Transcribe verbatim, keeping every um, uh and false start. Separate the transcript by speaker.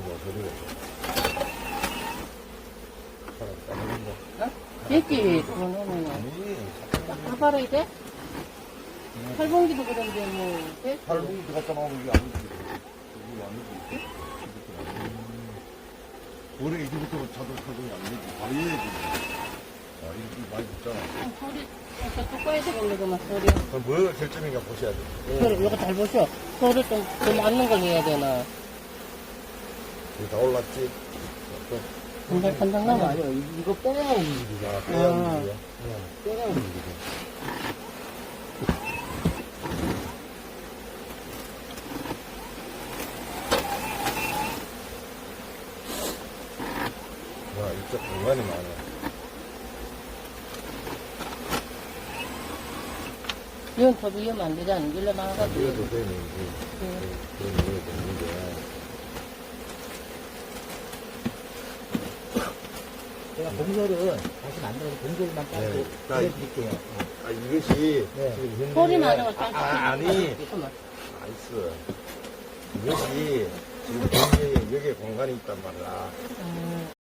Speaker 1: 뭐 소리가
Speaker 2: 어? 됐지, 그거 넣으면.
Speaker 1: 아니
Speaker 2: 다 팔아야 돼? 팔봉기도 그런데 뭐, 돼?
Speaker 1: 팔봉지 갖다 놓으면 이게 아니지 이게 아니지 원래 이제부터 자동 팔봉이 안 되지 바로 해야지 아 이렇게 많이 붙잖아
Speaker 2: 어, 소리, 저쪽 꺼야 되겠네, 소리.
Speaker 1: 그럼 뭐가 결점인가 보셔야 돼
Speaker 2: 그래, 이거 잘 보셔. 소리 좀, 더 맞는 걸 해야 되나.
Speaker 1: 여기 다 올랐지
Speaker 2: 한장, 한장 남아.
Speaker 3: 아니요, 이거 뼈가 움직이죠.
Speaker 1: 아 빼야
Speaker 2: 아.
Speaker 1: 움직이야
Speaker 3: 뼈가 움직이죠.
Speaker 1: 와 이쪽 공간이 많아
Speaker 2: 이건 더 위험 안 되잖아. 일로 나가가지고.
Speaker 1: 이래도 되는 이제 그런 이유가 있는데
Speaker 3: 제가 공설은 다시 만들어서 공설만 따로
Speaker 1: 네.
Speaker 3: 보여드릴게요.
Speaker 1: 아 이것이
Speaker 3: 네.
Speaker 1: 지금 현재
Speaker 2: 소리 나는 걸
Speaker 1: 아,
Speaker 2: 딱
Speaker 1: 아, 아니
Speaker 2: 잠깐만.
Speaker 1: 나이스 이것이 지금 현재 여기에 공간이 있단 말이야
Speaker 2: 음.